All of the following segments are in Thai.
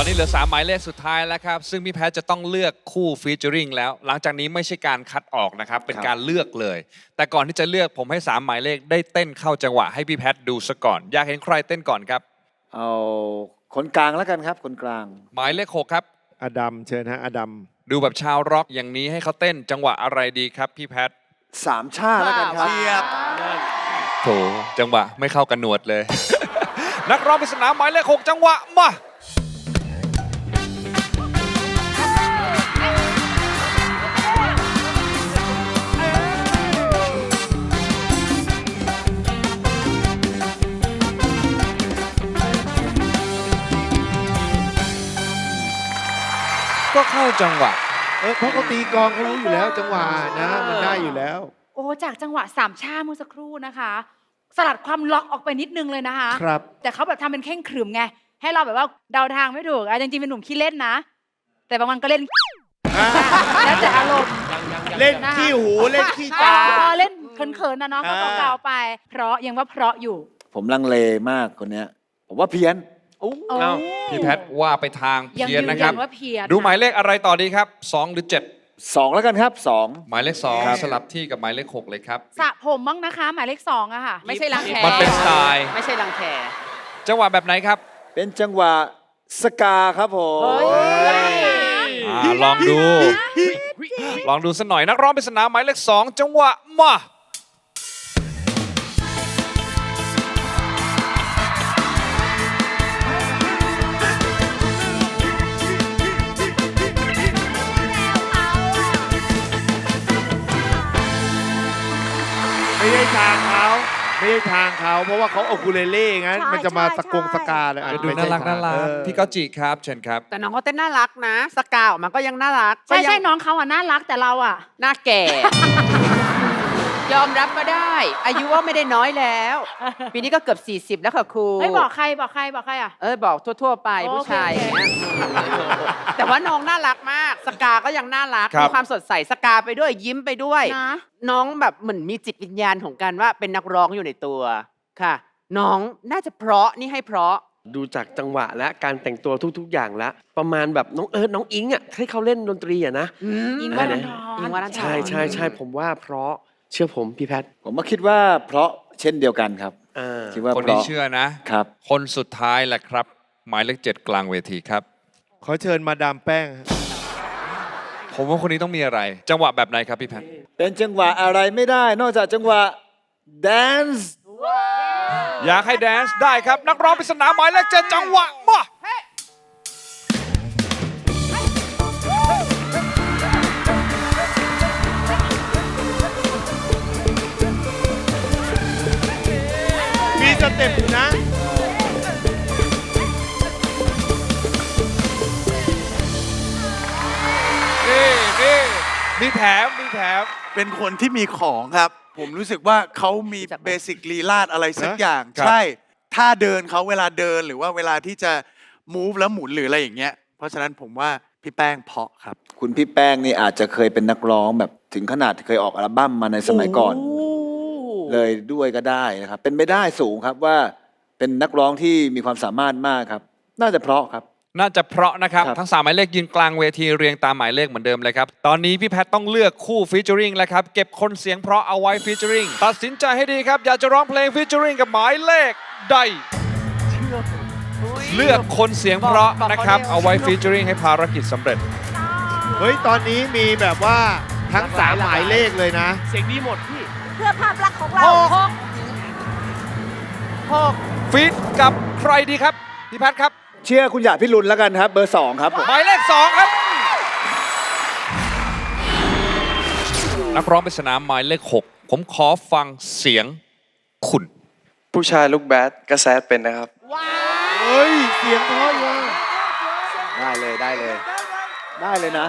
อนนี้เหลือ3หมายเลขสุดท้ายแล้วครับซึ่งพี่แพทจะต้องเลือกคู่ฟีเจอริงแล้วหลังจากนี้ไม่ใช่การคัดออกนะครับเป็นการเลือกเลยแต่ก่อนที่จะเลือกผมให้3หมายเลขได้เต้นเข้าจังหวะให้พี่แพทดูซะก่อนอยากเห็นใครเต้นก่อนครับเอาคนกลางแล้วกันครับคนกลางหมายเลข6ครับอดัมเชิญฮะอดัมดูแบบชาวร็อกอย่างนี้ให้เขาเต้นจังหวะอะไรดีครับพี่แพทสามชาแล้วกันครับโถจังหวะไม่เข้ากันหนวดเลย นักร้องปริศนาหมายเลข6จังหวะมาก็เข้าจังหวะเพราะเขาตีกลองเขารู้อยู่แล้วจังหวะนะมันได้อยู่แล้วโอ้จากจังหวะสามชาเมื่อสักครู่นะคะสลัดความล็อกออกไปนิดนึงเลยนะคะครับแต่เขาแบบทำเป็นเข่งขรึมไงให้เราแบบว่าเดาทางไม่ถูกจริงๆเป็นหนุ่มขี้เล่นนะแต่บางวันก็เล่นแล้วแต่อารมณ์เล่นขี้หูเล่นขี้ตาเล่นเขินๆนะเนาะก็เกาๆไปเพราะยังว่าเพราะอยู่ผมลังเลมากคนเนี้ยผมว่าเพี้ยนพี่แพทว่าไปทางเพี้ยนนะครับดูหมายเลขอะไรต่อดีครับ2หรือ7 2แล้วกันครับ2 หมายเลข2สลับที่กับหมายเลข6เลยครับสระผมบ้างนะคะหมายเลข2อะค่ะไม่ใช่รังแคมันเป็นสไตล์ไม่ใช่รังแคจังหวะแบบไหนครับเป็นจังหวะสกาครับผมลองดูสักหน่อยนักร้องปริศนาหมายเลข2จังหวะมาไม่ใช่ทางเขาเพราะว่าเขาโอคูเลเล่งั้นมันจะมาสกาเลยดูน่ารักพี่ก้จิครับเชิญครับแต่น้องเขาเต้นน่ารักนะสกาออกมาก็ยังน่ารักใช่น้องเขาน่ารักแต่เราหน้าแก่ ยอมรับก็ได้อายุว่าไม่ได้น้อยแล้วปีนี้ก็เกือบ40แล้วค่ะครูบอกใครอ่ะบอกทั่วๆไปผู้ชายอย่างเงี้ยแต่ว่าน้องน่ารักมากสกาก็ยังน่ารักมีความสดใสสกาไปด้วยยิ้มไปด้วยน้องแบบเหมือนมีจิตวิญญาณของการว่าเป็นนักร้องอยู่ในตัวค่ะน้องน่าจะเพราะนี่ให้เพราะดูจากจังหวะและการแต่งตัวทุกๆอย่างแล้วประมาณแบบน้องเอิร์ธน้องอิงให้เขาเล่นดนตรีนะอิงวรันทรใช่ผมว่าเพราะเชื่อผมพี่แพทผมคิดว่าเพราะเช่นเดียวกันครับคิดว่าคนนี้เชื่อนะครับคนสุดท้ายแหละครับหมายเลข7กลางเวทีครับขอเชิญมาดามแป้งผมว่าคนนี้ต้องมีอะไรจังหวะแบบไหนครับพี่แพทเป็นจังหวะอะไรไม่ได้นอกจากจังหวะแดนซ์อยากให้แดนซ์ได้ครับนักร้องปริศนาหมายเลข7จังหวะมามีสเต็ปนะนี่มีแถมเป็นคนที่มีของครับผมรู้สึกว่าเขามีเบสิกลีลาดอะไรสักอย่างใช่ถ้าเดินเขาเวลาเดินหรือว่าเวลาที่จะ move แล้วหมุนหรืออะไรอย่างเงี้ยเพราะฉะนั้นผมว่าพี่แป้งเพาะครับคุณพี่แป้งนี่อาจจะเคยเป็นนักร้องแบบถึงขนาดเคยออกอัลบั้มมาในสมัยก่อนเลยด้วยก็ได้นะครับเป็นไม่ได้สูงครับว่าเป็นนักร้องที่มีความสามารถมากครับน่าจะเพราะครับน่าจะเพราะนะครับทั้ง3หมายเลขยืนกลางเวทีเรียงตามหมายเลขเหมือนเดิมเลยครับตอนนี้พี่แพทต้องเลือกคู่ฟีเจอริงแล้วครับเก็บคนเสียงเพราะเอาไว้ฟีเจอริงตัดสินใจให้ดีครับอยากจะร้องเพลงฟีเจอริงกับหมายเลขใดเลือกคนเสียงเพราะนะครับเอาไว้ฟีเจอริงให้ภารกิจสำเร็จเฮ้ยตอนนี้มีแบบว่าทั้ง3หมายเลขเลยนะเสียงดีหมดพี่เพื่อภาพลักษณ์ของเรา 6ฟีดกับใครดีครับพี่แพทครับเชื่อคุณหยาดพิรุณแล้วกันครับเบอร์2ครับหมายเลข2ครับนักร้องปริศนาหมายเลข6ผมขอฟังเสียงคุณผู้ชายลูกแบดก็แซดเป็นนะครับเฮ้ยเสียงเพราะอยู่ได้เลยนะ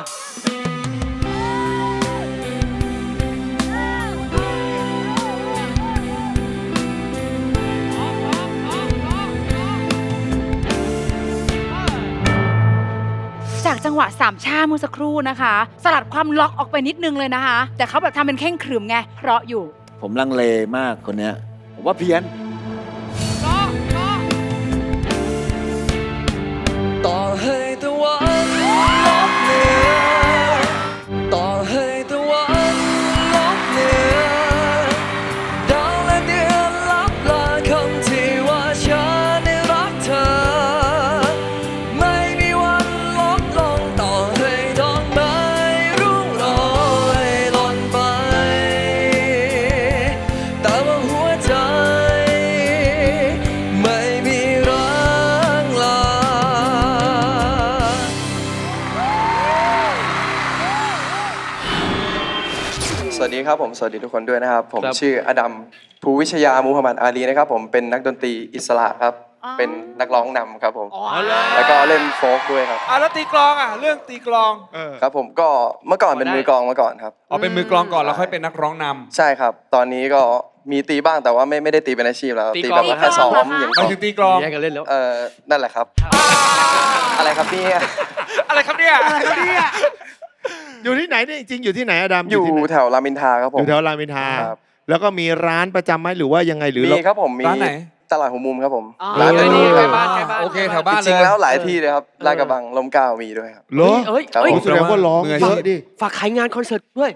จากจังหวะสามชาเมื่อสักครู่นะคะสลัดความล็อกออกไปนิดนึงเลยนะคะแต่เขาแบบทำเป็นเข่งขรึมไงเพราะอยู่ผมลังเลมากคนเนี้ยผมว่าเพี้ยนต่อให้วัสดีครับผมสวัสดีทุกคนด้วยนะครับ ผมครับชื่ออดัมภูวิชยามูฮัมหมัดอาลีนะครับผมเป็นนักดนตรีอิสระครับ เป็นนักร้องนำครับผม แล้วก็เล่นโฟล์กด้วยครับแล้วตีกลองอ่ะเรื่องตีกลองครับผมก็เมื่อก่อนเป็นมือกลองมาก่อนครับอ๋อเป็นมือกลองก่อนแล้วค่อยเป็นนักร้องนำใช่ครับ ตอนนี้ก็มีตีบ้างแต่ว่าไม่ได้ตีเป็นอาชีพแล้วตีตีกลองแบบแค่ซ้อมอย่างหเดีมายยวถึงตีกลองแยกกันเล่นแล้วนั่นแหละครับ อะไรครับเนี่ยอะไรครับเนี่ยอยู่ที่ไหนเนี่ยจริงๆอยู่ที่ไหนอดัมอยู่ที่ไหนแถวรามอินทราครับผอมยู่แถวรามอินทราครับแล้วก็มีร้านประจำไหมหรือว่ายังไงหรือมีเราครับผมมีร้านไหนตลาดหัวมุมครับผมอ๋อร้านเออนี้ใกล้บ้านใกล้บ้านโอเคแถวบ้านจริงๆแล้วหลายที่เลยครับลาดกระบังลมเกล้ามีด้วยครับเหรอเอ้ยครับเอ้ยโอ้แสดงว่าร้องมืออาเยชีพอะดิฝากขายงานคอนเสิร์ตด้วย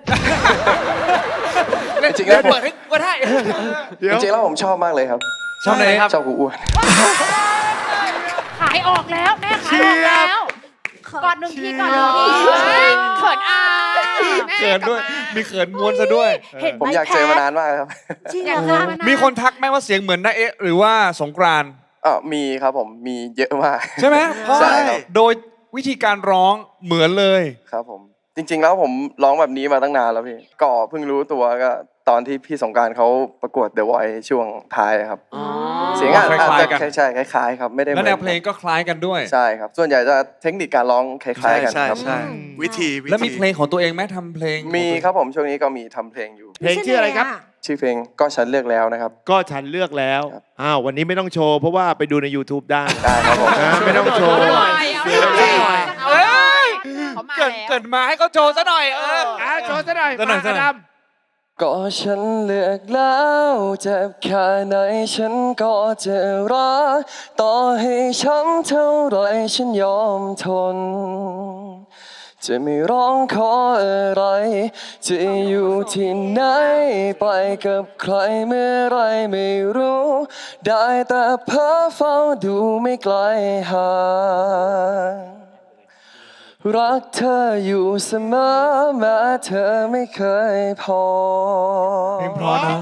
จริงๆแล้วผมเปิดให้ก็ได้จริงๆแล้วผมชอบมากเลยครับชอบไหนครับชอบกูอ้วนขายออกแล้วแม่ขายออกแล้วกอดหนึ่งทีกอดหนึ่งทีเขินอายเขินด้วย มีเขินม้วนซะด้วยเห็นไหผมอยากเจอมานานมากครับจริงอเหรยากอเจอคะมานานมีคนทักไหมว่าเสียงเหมือนน้าเอ๊ะหรือว่าสงกรานต์มีครับผมมีเยอะมากใช่ไหมเพราะใช่ครับโดยวิธีการร้องเหมือนเลยครับผมจริงๆแล้วผมร้องแบบนี้มาตั้งนานแล้วพี่ก็เพิ่งรู้ตัวก็ตอนที่พี่สงกรานต์เขาประกวด The Voice ช่วงท้ายครับ เสียงอาจคล้ายๆกันใช่คล้ายๆครับไม่ได้แล้วแนวหเพมืลอนงก็คล้ายกันด้วยใช่ครับส่วนใหญ่จะเทคนิคการร้องคล้ายๆกันครับใช่วิธีแล้วมีเพลงของตัวเองไหมทำเพลงมีครับผมช่วงนี้ก็มีทำเพลงอยู่เพลงชื่ออะไรครับชื่อเพลงก็ฉันเลือกแล้วนะครับก็ฉันเลือกแล้วครับอ้าววันนี้ไม่ต้องโชว์เพราะว่าไปดูใน YouTube ได้ได้ครับผมนะไม่ต้องโชว์เอาหน่อยเอาหน่อยเอ้ยเขามาเกิดแล้วเกิดมาให้เขาโชว์ซะหน่อยโชว์ซะหน่อยซะหน่อยมาอดัมก็ฉันเลือกแล้วเจ็บแค่ไหนฉันก็จะรักต่อให้ช้ำเท่าไรฉันยอมทน จะไม่ร้องขออะไร จะอยู่ที่ไหนไปกับใครเมื่อไรไม่รู้ ได้แต่เพ้อเฝ้าดูไม่ไกลห่างรักเธออยู่เสมอแม้เธอไม่เคยพอเพลงเพราะนะ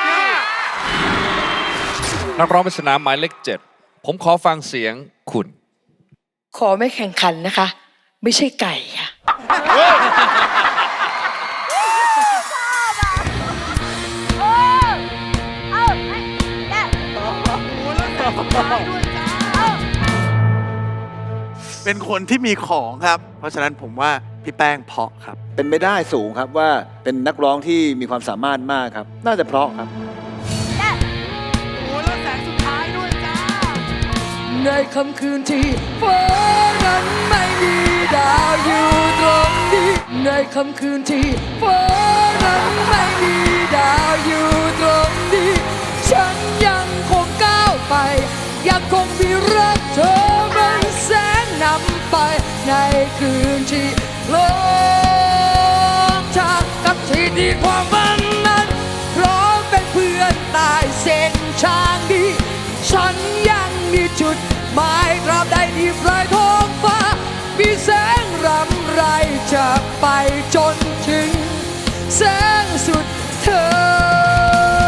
นักร้องปริศนาหมายเลข7ผมขอฟังเสียงคุณขอไม่แข่งขันนะคะ ไม่ใช่ไก่ค่ะเป็นคนที่มีของครับ เพราะฉะนั้นผมว่าพี่แป้งเพาะครับเป็นไม่ได้สูงครับว่าเป็นนักร้องที่มีความสามารถมากครับ น่าจะเพราะครับในค่ำคืนที่ฟ้านั้นไม่มีดาวอยู่ตรงนี้ในค่ำคืนที่ฟ้านั้นไม่มีดาวอยู่ตรงนี้ฉันยังคงก้าวไป ยังคงมีรักเธอเป็นแสงนำไปในคืนที่โลกจากกับที่ที่ความฝันนั้นพร้อมเป็นเพื่อนตายเส้นทางนี้ฉันยังมีจุดหมายตราบใดที่ปลายท้องฟ้ามีแสงรำไรจะไปจนถึงแสงสุดเธอ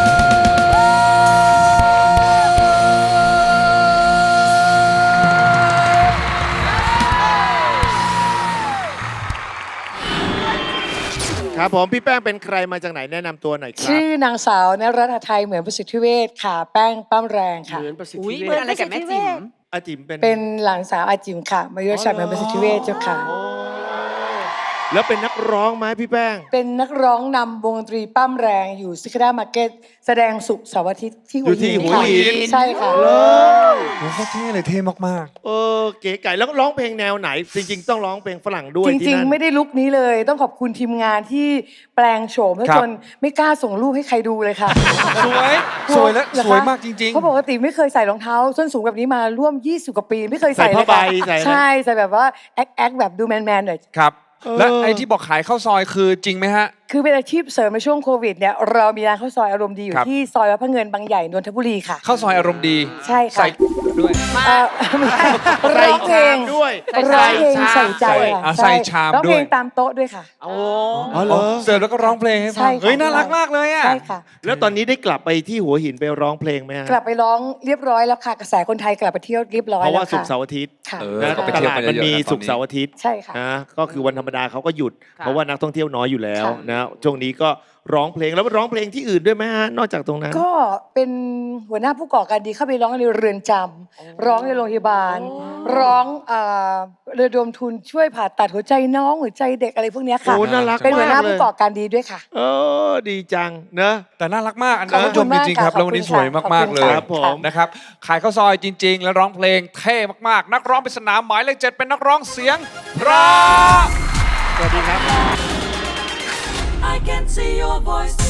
ครับผมพี่แป้งเป็นใครมาจากไหนแนะนำตัวหน่อยครับชื่อนางสาวนรัตนไทยเหมือนประสิทธิเวชค่ะ แป้งปั้มแรงค่ะเหมือนประสิทธิอุ้ยเวเป็นชอะไรกับแม่จิ๋มอาจิมเป็นเป็นหลานสาวอาจิมค่ะ มายุรชัดเหมือนประสิทธิเวชเจ้าค่ะแล้วเป็นนักร้องไหมพี่แป้งเป็นนักร้องนำวงดนตรีปั้มแรงอยู่ซิคด้ามาร์เก็ตแสดงสุกร์เสาร์อาทิตย์ที่หัวอยู่ที่หินหัวค่ะหินใช่ค่ะเลยโอ้โหเท่เลยเท่มากเก๋ไก่แล้วร้องเพลงแนวไหน จริง ๆ ต้องร้องเพลงฝรั่งด้วยจที่ริงนั่นๆ ไม่ได้ลุกนี้เลย ต้องขอบคุณทีมงานที่แปลงโฉมแล้วครับจนไม่กล้าส่งรูปให้ใครดูเลยค่ะๆ สวยสวยและเหรอคะสวยมากจริงเพราะปกติไม่เคยใส่รองเท้าส้นสูงแบบนี้มาร่วม 20 กว่าปี ไม่เคยใส่ใส่เลผ้าย ใบค่ะใส่อะไรใช่ใส่แบบว่าแอคแบบดูแมนๆหน่อยๆ ครับ และไอ้ที่บอกขายข้าวซอยคือจริงไหมฮะคือเป็นอาชีพเสริมในช่วงโควิดเนี่ยเรามีร้านข้าวซอยอารมณ์ดีอยู่ครับที่ซอยวัดพระเงินบางใหญ่นนทบุรีค่ะข้าวซอยอารมณ์ดีใช่ค่ะใส่ด้วยไม่ใช่ร้องเพลงด้วยร้องเพลงใส่ใจอ่ะค่ะใส่ชามร้องเพลงด้วยตามโต๊ะด้วยค่ะโอ้อ๋อเหรอเสิร์ฟแล้วก็ร้องเพลงให้ใช่ฟังค่ะเฮ้ยน่ารักมากเลยอ่ะใช่ค่ะแล้วตอนนี้ได้กลับไปที่หัวหินไปร้องเพลงไหมฮะกลับไปร้องเรียบร้อยแล้วค่ะ กระแสคนไทยกลับไปเที่ยวเรียบร้อยเพราะแล้วว่าศุกค่ะร์เสาร์อาทิตย์ค่ะนะก็ไปตเที่ยวลาดกันมันเยอะๆมีนะตอนนี้ศุกร์เสาร์อาทิตย์ใช่ค่ะนะก็คือวันธรรมดาเขาก็หยุดค่ะเพราะว่านักท่องเที่ยวน้อยอยู่แล้วค่ะนะนะช่วงนี้ก็ร้องเพลงแล้วร้องเพลงที่อื่นด้วยไหมฮะนอกจากตรงนั้นก็เป็นหัวหน้าผู้ก่อการดีเข้าไปร้องในเรือนจำร้องในโรงพยาบาล ร้องระดมทุนช่วยผ่าตัดหัวใจน้องหัวใจเด็กอะไรพวกเนี้ยค่ะโอ้น่ารักเป็นหัวหน้ามากเลยผู้ก่อการดีด้วยค่ะดีจังเนอะแต่น่ารักมากอันขอบนี้คุชณมจริงๆครับมากค่ะแล้ววันนี้สวยขอบคุณมากๆค่ะเลยครับผมนะครับขายข้าวซอยจริง ๆ แล้วร้องเพลงเท่มากๆ นักร้องปริศนาหมายเลข 7 เป็นนักร้องเสียงเพราะสวัสดีครับ I can see your voice